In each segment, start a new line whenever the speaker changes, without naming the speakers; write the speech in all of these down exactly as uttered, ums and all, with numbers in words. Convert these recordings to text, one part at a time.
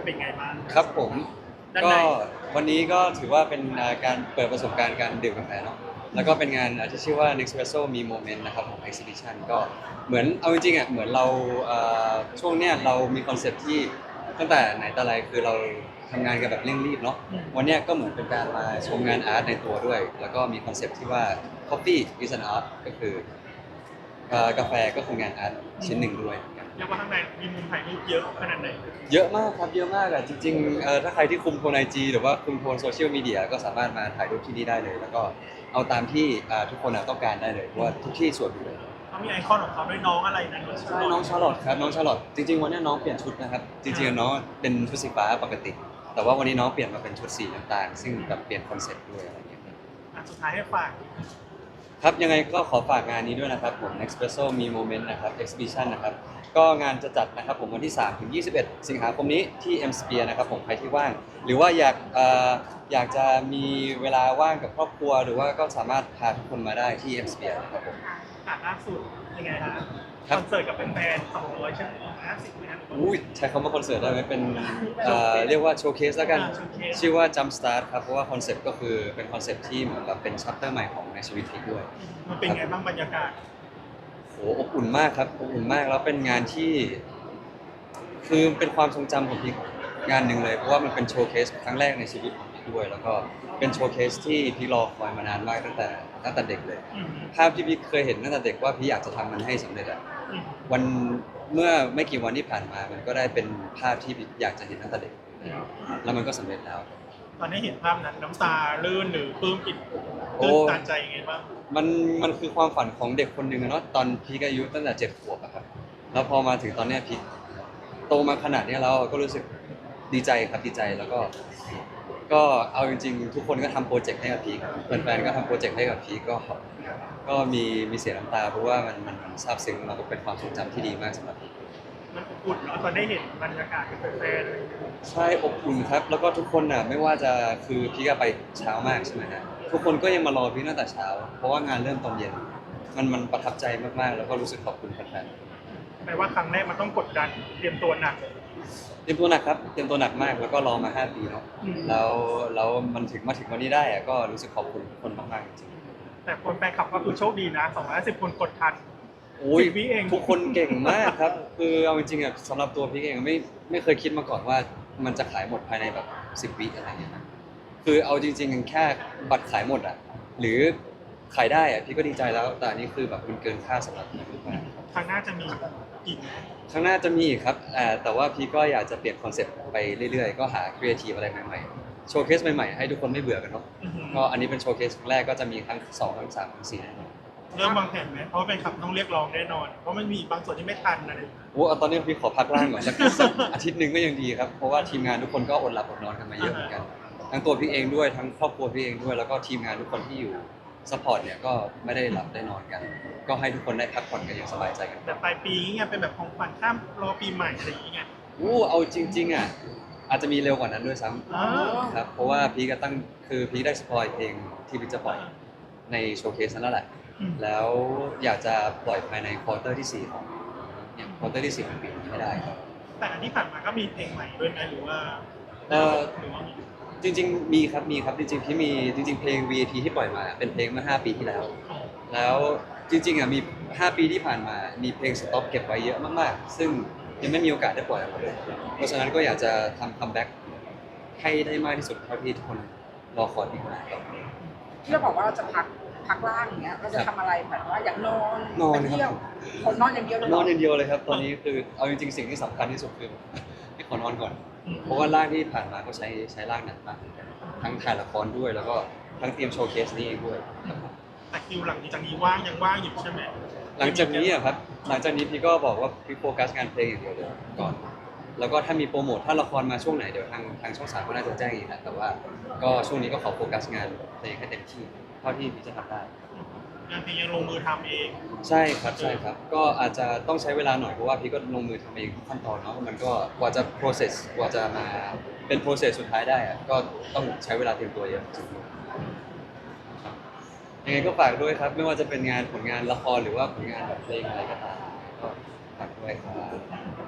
เป็นไงบ้าง
ครับผม
ด้าน
ก็
ใน
วันนี้ก็ถือว่าเป็นอ่าการเปิดประสบการณ์การดื่มกาแฟเนาะแล้วก็เป็นงานอ่าที่ชื่อว่า Nespresso มี Moment นะครับของ Exhibition ก็เหมือนเอาจริงๆอ่ะเหมือนเราเอ่อช่วงเนี้ยเรามีคอนเซ็ปต์ที่ตั้งแต่ไหนแต่ไรคือเราทำงานกันแบบเร่งรีบเนาะวันเนี้ยก็เหมือนเป็นการมาชมงานอาร์ตในตัวด้วย แล้วก็มีคอนเซ็ปต์ที่ว่า Coffee is an art ก็คือเอ่อกาแฟก็คืองานอาร์ตชิ้นหนึ่งด้วย
เรียกว่าข้างในมีมุมถ่ายรูปเยอะขนาดไหน
เยอะมากครับเยอะมากอ่ะจริงๆเอ่อถ้าใครที่คุมโทนไอจีหรือว่าคุมโทนโซเชียลมีเดียก็สามารถมาถ่ายรูปที่นี่ได้เลย แล้วก็เอาตามที่อ่าทุกคนอ่ะต้องการได้เลยเพราะว่าทุกที่สวยหมดเลย
เขามีไอคอนของเขาด้วยน้องอะไรนะ
ใช่น้องชาร์ลอตครับน้องชาร์ลอตจริงๆวันนี้น้องเปลี่ยนชุดนะครับจริงๆน้องเป็นชุดสีฟ้าปกติ แต่ว่าวันนี้น้องเปลี่ยนมาเป็นชุดสีน้ำตาลซึ่งแบบเปลี่ยนคอนเซ็ปต์ด้วยอะไรอย่างเงี้ยครับ
อ่ะสุดท้ายให้ฝาก
ครับยังไงก็ขอฝากงานนี้ด้วยนะครับผม Nespresso มี Moment นะครับ Exhibition นะครับก็งานจะจัดนะครับผมวันที่สามถึงยี่สิบเอ็ดสิงหาคมนี้ที่ M Sphere นะครับผมใครที่ว่างหรือว่าอยากเอ่ออยากจะมีเวลาว่างกับครอบครัวหรือว่าก็สามารถพาทุกคนมาได้ที่ M Sphere นะครับผม
อ่ะล่าสุดยังไงฮะ
ครั
ค
บ
อนเสิร์ตกับแฟนๆสองร้อยชั่วโมงห้าสิบไหมฮะ
อุ้ยใช้คำว่าคอนเสิร์ตได้ไหมเป็นเอ่อเรียกว่าโชว์เคสแล้วกันชื่อว่า Jump Start ครับเพราะว่าคอนเซ็ปต์ก็คือเป็นคอนเซ็ปต์ที่เหมือนแบบเป็นชัปเตอร์ใหม่ของในชีวิตพีคด้วย
มันเป็นไงบ้างบรรยากาศ
โหอบอุ่นมากครับอบอุ่นมากแล้วเป็นงานที่คือเป็นความทรงจำของพีคงานหนึ่งเลยเพราะว่ามันเป็นโชว์เคสครั้งแรกในชีวิตของพีคด้วยแล้วก็เป็นโชว์เคสที่พีครอคอยมานานมากตั้งแต่ตั้งแต่เด็กเลย
อืม
ภาพที่พีคเคยเห็นตั้งแต่เด็กว่าพีคอยากจะทำมันให้สำเร็จอะ
อืม
วันเมื่อไม่กี่วันที่ผ่านมามันก็ได้เป็นภาพที่พีคอยากจะเห็นตั้งแต่เด็กแล้วมันก็สำเร็จแล้ว
ตอนนี้เห็นภาพนั้นน้ำตาลื่นหรือปลื้มปิ่ม
โอ้
ตื้นตันใจยังไงบ้าง
มันมันคือความฝันของเด็กคนหนึ่งอะเนาะตอนพีคอายุตั้งแต่เจ็ดขวบอะครับแล้วพอมาถึงตอนเนี้ยพีคโตมาขนาดเนี้ยแล้วก็รู้สึกดีใจครับดีใจแล้วก็ก็เอาจริงๆทุกคนก็ทำโปรเจกต์ให้กับพีคแฟนๆก็ทำโปรเจกต์ให้กับพีคก็ก็มีมีเสียน้ำตาเพราะว่ามันมันมันซาบซึ้งแล้วก็เป็นความทรงจำที่ดีมากสำหรับพีค
มันอบอุ่นเนาะตอนได้เห็นบรรยากาศกับแฟน
ใช่อบอุ่นครับแล้วก็ทุกคนน่ะไม่ว่าจะคือพี่ก็ไปเช้ามากใช่ไหมฮะทุกคนก็ยังมารอพี่ตั้งแต่เช้าเพราะว่างานเริ่มตอนเย็นมันมันประทับใจมากๆแล้วก็รู้สึกขอบคุณแฟน
ๆแปลว่าครั้งแรกมันต้องกดดันเตรียมตัวหนัก
ๆเตรียมตัวหนักครับเตรียมตัวหนักมากแล้วก็รอมาห้าปีเนาะ
อืม
แล้วแล้วมันถึงมาถึงวันนี้ได้อะก็รู้สึกขอบคุณทุกคนมากๆจริง
แต่คนแฟนคลับก็คือโชคดีนะสองร้อยห้าสิบคนกดทัน
ๆโอ้ย
สิบวิเอง
ทุกคนเก่งมากครับคือเอาจริงๆอ่ะสำหรับตัวพี่เองไม่ไม่เคยคิดมาก่อนว่ามันจะขายหมดภายในแบบสิบวิอะไรอย่างเงี้ยนะคือเอาจริงๆแค่บัตรขายหมดอ่ะหรือ ขายได้อะพี่ก็ดีใจแล้วแต่อันนี้คือแบบมันเกินค่าสำหรับพี่มาก
ครั้งหน้าจะมีอีก
ๆข้างหน้าจะมีอีกครับอ่าแต่ว่าพี่ก็อยากจะเปลี่ยนคอนเซ็ปต์ไปเรื่อยๆก็หาครีเอทีฟอะไรใหม่ๆโชว์เคสใหม่ๆให้ทุกคนไม่เบื่อกันเนาะ
อือหือ
ก็อันนี้เป็นโชว์เคสครั้งแรกก็จะมีครั้งสองครั้งสามครั้งสี่แน่นอน
เริ่มวางแผนไหมเพราะว่าแฟนคลับต้องเรียกร้องแน่นอน เพราะมันมีบางส่วนที่ไม่ทันอะไรอย่างเงี้ย
โอ้เอาตอนนี้พี่ขอพักร่างก่อนสักสักอาทิตย์หนึ่งก็ยังดีครับเพราะว่าทีมงานทุกคนก็อดหลับอดนอนกันมาเยอะเหมือนกันทั้งตัวพี่เองด้วยทั้งครอบครัวพี่เองด้วยแล้วก็ทีมงานทุกคนที่อยู่ซัพพอร์ตเนี่ยก็ไม่ได้หลับได้นอนกัน ก็ให้ทุกคนได้พักผ่อนกันอย่างสบายใจกัน
แต่ปลายปีเงี้ยเป็นแบบของขวัญข้ามรอปีใหม่อะไรอย่างเงี้ย
อู้เอาจริงๆอ่ะอาจจะมีเร็วกว่านั้นด้วยซ้
อ๋อ
ำครับเพราะว่าพีก็ตั้งคือพีได้สปอยเพลงที่พีจะปล่อยในโชว์เคสนั้นแล้วแหละ
อืม
แล้วอยากจะปล่อยภายในควอเตอร์ที่สี่ของเนี่ยควอเตอร์ที่สี่ของปีนี้ให้ได้ครับ
แต่อันที่ผ่านมาก็มีเพลงใหม่ด้วยนะหรือว่า
เอ่อ
หรือว่ามี
จริงๆมีครับมีครับจริงๆพี่มีจริงๆเพลง วี ไอ พี ที่ปล่อยมาเป็นเพลงเมื่อห้าปีที่แล้ว แล้วจริงๆอ่ะมีห้าปีที่ผ่านมามีเพลงสต็อกเก็บไว้เยอะมากๆซึ่งยังไม่มีโอกาสได้ปล่อยออกมาเลยเพราะฉะนั้นก็อยากจะทำคัมแบ็กให้ได้มากที่สุดเท่าที่ทุกคนรอคอยอีกนะครับ
ที่เราบอกว่าเราจะพักพักร่างอย่างเงี้ยเราจะทำอะไรแบบว่าอยากนอน
นอน
ไป
ครับ
เที่ยวคนนอนอย่างเดียวเลย
นอนอย่างเดียวเลยครับตอนนี้คือเอาจริงๆสิ่งที่สำคัญที่สุดคือพี่ขอนอนก่อน
อืม
เพราะว่าร่างที่ผ่านมาก็ใช้ใช้ร่างหนักมากเหมือนกันทั้งถ่ายละครด้วยแล้วก็ทั้งเตรียมโชว์เคสนี้เองด้วยครับ
แต่คิวหลังจากนี้ว่างยังว่างอยู่ใช่ไหม
หลังจากนี้อะครับหลังจากนี้พี่ก็บอกว่าพี่โฟกัสงานเพลงอย่างเดียวเลยก่อนแล้วก็ถ้ามีโปรโมทถ้าละครมาช่วงไหนเดี๋ยวทางทางช่องสามก็น่าจะแจ้งอีกแหละแต่ว่าก็ช่วงนี้ก็ขอโฟกัสงานเพลงให้เต็มที่เท่าที่พี่จะทำได้
งานเพลงยังลงมือทำเอง
ใช่ครับใช่ครับก็อาจจะต้องใช้เวลาหน่อยเพราะว่าพี่ก็ลงมือทำเองทุกขั้นตอนเนาะมันก็กว่าจะ process กว่าจะมาเป็น process สุดท้ายได้อะก็ต้องใช้เวลาเตรียมตัวเยอะจริงๆครับยังไงก็ฝากด้วยครับไม่ว่าจะเป็นงานผลงานละครหรือว่าผลงานแบบเพลงอะไรก็ตามก็ฝากด้วยครับ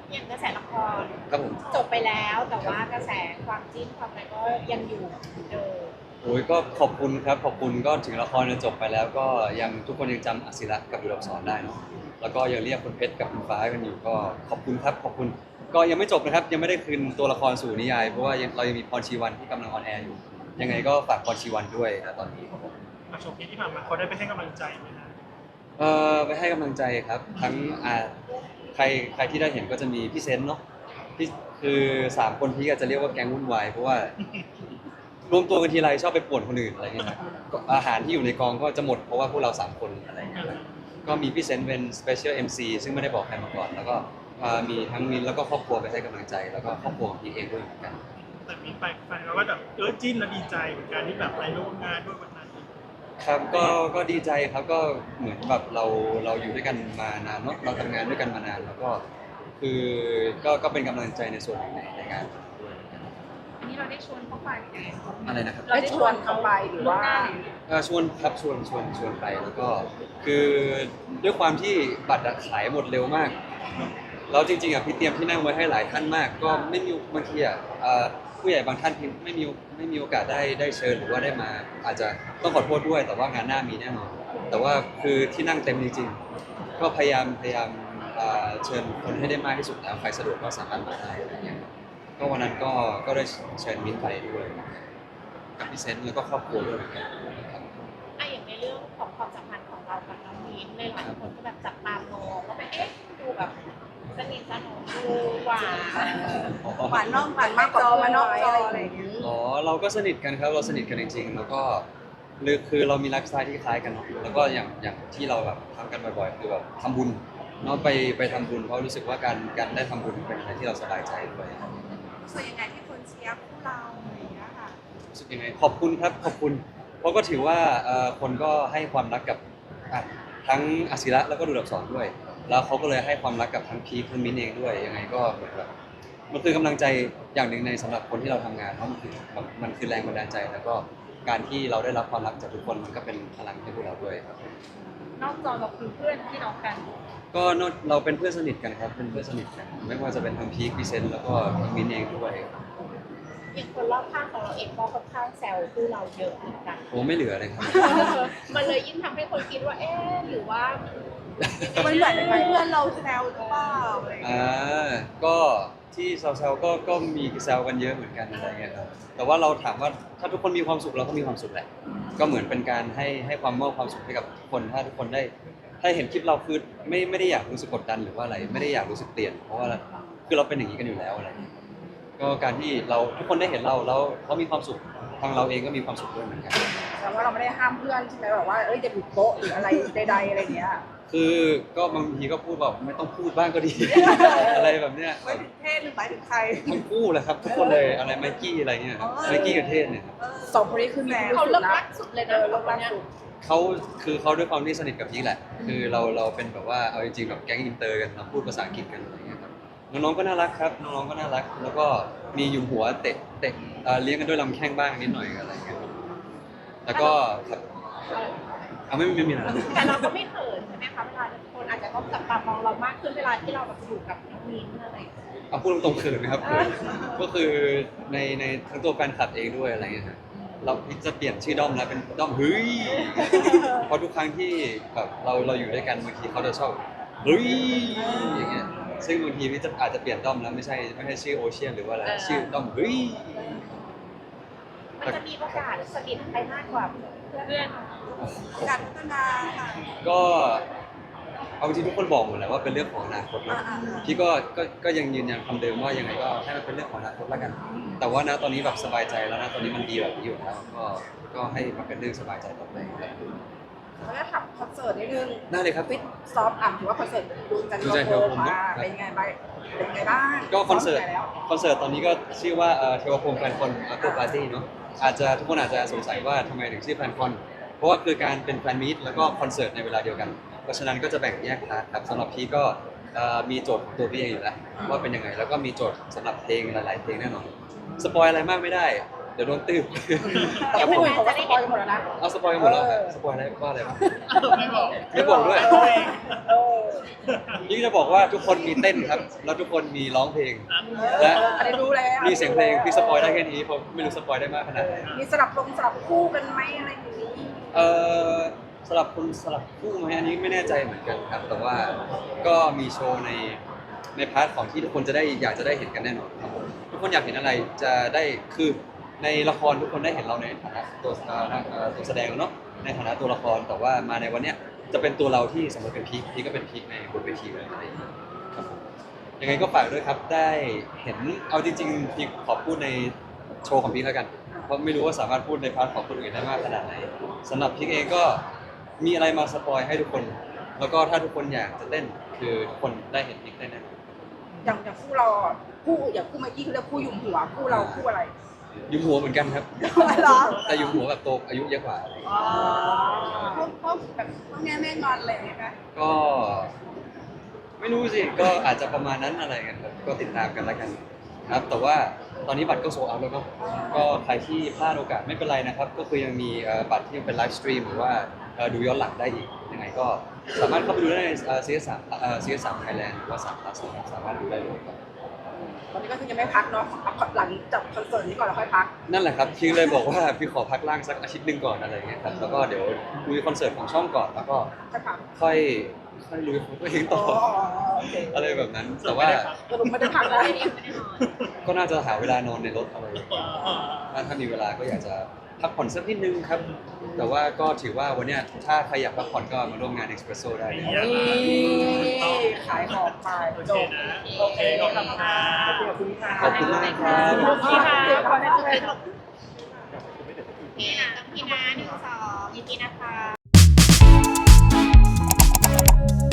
อย่างกระแสละคร
ครับผม
จบไปแล้วแต่ว่ากระแสความจิ้นความอะไรก็ยังอยู่เหมือนเดิม
โอ้ยก็ขอบคุณครับขอบคุณก็ถึงละครจะจบไปแล้วก็ยังทุกคนยังจำอศิระกับดุลอักษรได้เนาะแล้วก็ยังเรียกคุณเพชรกับคุณฟ้ากันอยู่ก็ขอบคุณครับขอบคุณก็ยังไม่จบนะครับยังไม่ได้คืนตัวละครสู่นิยายเพราะว่ายังเรายังมีพรชีวันที่กำลังออนแอร์อยู่ยังไงก็ฝากพรชีวันด้วยนะตอนนี้ครับผม
มาชมที่ผ่านมาเขาได้ไปให้กำลังใจไหมนะ
เอ่อไปให้กำลังใจครับทั้งอ่าใครใครที่ได้เห็นก็จะมีพี่เซนต์เนาะพี่คือสามคนที่อาจจะเรียกว่าแก๊งวุ่นวายเพราะว่ารวมตัวกันทีไรชอบไปป่วนคนอื่นอะไรเงี้ยครับก็อาหารที่อยู่ในกองก็จะหมดเพราะว่าพวกเราสามคนอะไรเงี้ยครับก็มีพี่เซนต์เป็น Special เอ็ม ซี ซึ่งไม่ได้บอกใครมาก่อน แล้วก็อ่ามีทั้งมินแล้วก็ครอบครัวไปให้กำลังใจ แล้วก็ครอบครัวของพี่เองด้วยเหมือนกัน
แต่มีแฟนแฟนเขาก็แบบเออจิ้นและดีใจเหมือนกันที่แบบไปร่วมงานด้วยวันนั้น
ครับก็ก็ดีใจครับก็เหมือนแบบเราเราอยู่ด้วยกันมานานเนาะเราทำงานด้วยกันมานานแล้วก็คือก็ก็เป็นกำลังใจในส่วนหนึ่งในในงานด้วยเหมือนกัน
อันนี้เราได้ชวนเขาไปไหม
อะไรนะครับ
ได้ชวนเขาไปหรือว่า
เอ่อชวนครับชวนชวนชวนไปแล้วก็คือด้วยความที่บัตรอะขายหมดเร็วมากแล้วจริงๆอ่ะพี่เตรียมที่นั่งไว้ให้หลายท่านมาก ก็ไม่มีบางทีอ่ะเอ่อผู้ใหญ่บางท่านที่ไม่มีไม่มีโอกาสได้ได้เชิญหรือว่าได้มา อาจจะต้องขอโทษด้วย แต่ว่างานหน้ามีแน่นอน แต่ว่าคือที่นั่งเต็มจริงๆก็พยายามพยายามเอ่อเชิญคนให้ได้มากที่สุดแล้วใครสะดวกก็สามารถมาได้อะไรเงี้ยก็วันนั้นก็ก็ได้เชิญมิ้นท์ไปด้วยกับพี่เซนต์แล้วก็ครอบครัวด้วยเหมือนกันครับ
อ่ะอย่างในเรื่องของความสัมพันธ์ของเรากับน้องมิ้นท์หลายๆคนก็แบบจับตามองว่าแบบเอ๊ะดูแบบสนิทสนมดูหวาน
หวานนอกหวานมากจอมานอกจออะไรอย่างเงี้ย
อ๋อเราก็สนิทกันครับเราสนิทกันจริงๆแล้วก็หรือคือเรามีไลฟ์สไตล์ที่คล้ายกันเนาะแล้วก็อย่างอย่างที่เราแบบทำกันบ่อยๆคือแบบทำบุญเนาะไปไปทำบุญเพราะรู้สึกว่าการการได้ทำบุญเป็นอะไรที่เราสบายใจด้วย
รู้สึกยังไงที่คนเชียร์คู่เราอะไรอย่างเงี้ยค่ะ
รู้สึกยังไงขอบคุณครับขอบคุณเพราะก็ถือว่าเอ่อคนก็ให้ความรักกับอ่ะทั้งอาศิระแล้วก็ดูดับสอนด้วย แล้วเขาก็เลยให้ความรักกับทั้งพีคทั้งมิ้นเองด้วยยังไงก็เหมือนแบบมันคือกำลังใจอย่างหนึ่งในสำหรับคนที่เราทำงานเพราะมันคือมันคือแรงบันดาลใจ แล้วก็การที่เราได้รับความรักจากทุกคนมันก็เป็นพลังให้พวกเราด้วยครับ
นอกจอเราคือเพื่อนพี่น้องกัน
ก็นอกเราเป็นเพื่อนสนิทกันครับเป็นเพื่อนสนิทกันไม่ว่าจะเป็นทั้งพีคพีเซนแล้วก็ทั้งมิ้นเองด้วย
อย่างคนรอบข้างของเราเองก็ค่อนข้างแซวคู่เราเยอะเหมือนกัน
โอ้ไม่เหลือเลยครับ
มันเลยยิ่งทำให้คนคิดว่าเอ๊ะหรือว่า
มันเหมือนเป็นเพื่อนเราแซวหรือเปล่าอะไรอย่างเงี้ย
อ่าก็ที่แซวๆก็ก็มีแซวกันเยอะเหมือนกันอะไรเงี้ยครับแต่ว่าเราถามว่าถ้าทุกคนมีความสุขเราก็มีความสุขแหละก็เหมือนเป็นการให้ให้ความมอบความสุขให้กับทุกคนถ้าทุกคนได้ถ้าเห็นคลิปเราคือไม่ไม่ได้อยากรู้สึกกดดันหรือว่าอะไรไม่ได้อยากรู้สึกเปลี่ยนเพราะว่าคือเราเป็นอย่างนี้กันอยู่แล้วอะไรเงี้ยก็การที่เราทุกคนได้เห็นเราแล้วเขามีความสุขทางเราเองก็มีความสุขด้วยเหมือนกัน
แต่ว่าเราไม่ได้ห้ามเพื่อนใช่ไหมแบบว่าเอ้ยจะบุกโต๊ะหรืออะไรใดๆอะไรอย่างเงี้ย
คือก็บางทีก็พูดแบบไม่ต้องพูดบ้างก็ดี อะไรแบบเนี้ย
ไม่ถึงเทศหรือหมายถึงใคร
ทั้งคู่แหละครับ ทุกคนเลยอะไรไมกี้อะไรเงี้ยครับไมกี้กับเทศเนี่ยครับ
สองคนนี้คือแมว
เขาเลิกรักสุดเลย
เอ
นะ
อเลิกรักสุด
เขาคือเขาด้วยความที่สนิทกับพี่แหละ คือเราเราเป็นแบบว่าเอาจริงๆแบบแก๊งอินเตอร์กันเราพูดภาษาอังกฤษกันอะไรเงี้ยครับน้องๆก็น่ารักครับน้องๆก็น่ารัก แล้วก็มียุมหัวเตะเตะเอ่อเลี้ยงกันด้วยลำแข้งบ้างนิดหน่อยอะไรเงี้ยแล้วก็ครับเอาไม่ไม่มีอะไร
แต่เราก็ไม่เขินใช่ไหมคะเวลาคนอาจจะต้องจับตามองเรามากขึ้นเวลาที่เราแบบอยู่กับน้องมิ้นท์อะไรอย่างเงี้ย
เอาพูดตรงๆเขินนะครับเขินก็คือในในทั้งตัวแฟนคลับเองด้วยอะไรเงี้ยครับเราจะเปลี่ยนชื่อด้อมแล้วเป็นด้อมเฮ้ยเพราะทุกครั้งที่แบบเราเราอยู่ด้วยกันบางทีเขาจะชอบเฮ้ยอย่างเงี้ยซึ่งบางทีพี่จะอาจจะเปลี่ยนด้อมแล้วไม่ใช่ไม่ใช่ชื่อโอเชียนหรือว่าอะไรชื่อด้อมเฮ้ย
มันจะมีโอกาสสนิทไปมากกว่าเพื่อน
การพัฒนาค่ะ
ก็เอาจริงทุกคนบอกหมดแหละว่าเป็นเรื่องของอนาคตนะ
อ่าๆ
พี่ก็ก็ก็ยังยืนยันคำเดิมว่ายังไงก็ให้มันเป็นเรื่องของอนาคตแล้วกัน แต่ว่านะตอนนี้แบบสบายใจแล้วนะตอนนี้มันดีแบบนี้อยู่แล้วก็ก็ให้มันเป็นเรื่องสบายใจต่อไปครับ
แล้วก็ทำคอนเสิร์ตนิดนึง
ได้เลยครับ
ฟิตซอฟต์อ่ะถือว่าคอนเสิร์ตดูจันท
ดู
ร์
จันทร์
โฮ
โฮ
ม
ม
มา
ครับ
เป็นไงบ้างเป็นไงบ้าง
ก็คอนเสิร์ต
ซ้มไปแล้ว
คอนเสิร์ตตอนนี้ก็ชื่อว่าเอ่อเทวพรหมแฟนคอนอัลเตอร์ปาร์ตี้เนาะอาจจะทุกคนอาจจะสงสัยว่าทำไมถึงชื่อแฟนคอนเพราะว่าคือการเป็นแฟนมีตแล้วก็คอนเสิร์ตในเวลาเดียวกัน เพราะฉะนั้นก็จะแบ่งแยกพาร์ทครับสำหรับพี่ก็เอ่อมีโจทย์ของตัวพี่เองอยู่แล้วว่าเป็นยังไงแล้วก็มีโจทย์สำหรับเพลงหลาย ๆ เพลงแน่นอนสปอยอะไรมากไม่ได้ดี๋ยวโดนตื้อ
แต่ผู้อื่นเขาก็สปอยกันหมดแล้วนะ
เอาสปอยกันหมดแล้วครับสปอยอะไรว่าอะไรบ้าง
ไม่บอก
ไม่บอกด้วย
เออ
ยิ่งจะบอกว่าทุกคนมีเต้นครับ แล้วทุกคนมีร้องเพลง
เอ
และ
ออันนี้รู้แล้ว
มีเสียงเพลงพี่สปอยได้แค่นี้ผมไม่รู้สปอยได้มากขนาดไหน
มีสลับลงสลับคู่กันไหมอะไรอย่างนี้
เอ่อสลับคนสลับคู่ไหมอันนี้ไม่แน่ใจเหมือนกันครับ แต่ว่าก็มีโชว์ในในพาร์ทของที่ทุกคนจะได้อยากจะได้เห็นกันแน่นอนครับผมทุกคนอยากเห็นอะไรจะได้คือในละครทุกคนได้เห็นเราในฐานะตัวเอ่อเอ่อตัวแสดงเนาะในฐานะตัวละครแต่ว่ามาในวันเนี้ยจะเป็นตัวเราที่สมมติเป็นพีคพีคก็เป็นพีคในบนเวทีเลยอะไรอย่างเงี้ยครับผมยังไงก็ฝากด้วยครับได้เห็นเอาจริงๆพีคขอพูดในโชว์ของพีคแล้วกัน เพราะไม่รู้ว่าสามารถพูดในพาร์ทของคนอื่นได้มากขนาดไหนสำหรับพีคเองก็มีอะไรมาสปอยให้ทุกคน แล้วก็ถ้าทุกคนอยากจะเต้นคือทุกคนได้เห็นพีคได้แน่นอน
อย่างอย่างคู่เราอ่ะคู่อย่างคู่เมื่อกี้คือเรียกคู่หยุ่มหัวคู่เราคู่อะไร
ยุมหัวเหมือนกันครับ
เหรอ
แต่ยุมหัวแบบโตอายุเยอะกว่า
อ๋อพวกพวกแบบพวกแง่แม่งอนอะไรอย่างเงี้ยนะ
ก็ ไม่รู้สิ ก็อาจจะประมาณนั้นอะไรกันครับก็ติดตามกันแล้วกันครับ แต่ว่าตอนนี้บัตรก็โซลด์เอาท์แล้วเนาะก็ใครที่พลาดโอกาสไม่เป็นไรนะครับ ก็คือยังมีเอ่อบัตรที่ยังเป็นไลฟ์สตรีมหรือว่าเอ่อดูย้อนหลังได้อีกยังไงก็สามารถเข้าไปดูได้ในซีเอสสามเอ่อซีเอสสามไทยแลนด์หรือว่าสามพลัสนะครับสามารถดูได้เลยครับ
ตอนนี้ก็คือยังไม่พักเนาะเอาหลังจากคอนเสิร์ตนี้ก่อนแล้วค่อยพัก
นั่นแหละครับพี่เลยบอกว่าพี่ขอพักร่างสักอาทิตย์หนึ่งก่อนอะไรเงี้ยครับแล้วก็เดี๋ยวดูคอนเสิร์ตของช่องก่อนแล้วก็
ค่อยพัก
ค่อยค่อยลุยของตัวเองต่อ
โอเค
อะไรแบบนั้น แต่ว่า
สรุปไม่ได้พักนะ
ก็น่าจะหาเวลานอนในรถอะไรอย่างเงี้ยถ้าถ้ามีเวลาก็อยากจะพักผ่อนสักนิดนึงครับ แต่ว่าก็ถือว่าวันเนี้ยถ้าใครอยากพักผ่อนก็มาร่วมงาน Espresso ได้เลย
นี่ขายของไป
โอ
จ
เค
บ
นะโอเคขอบคุณค่ะ
ขอบคุณค่ะ
ขอบคุณมากครับ
ขอบคุณค่ะ
พี่นะพี่นะหนึ่งสองยินดีนะคะ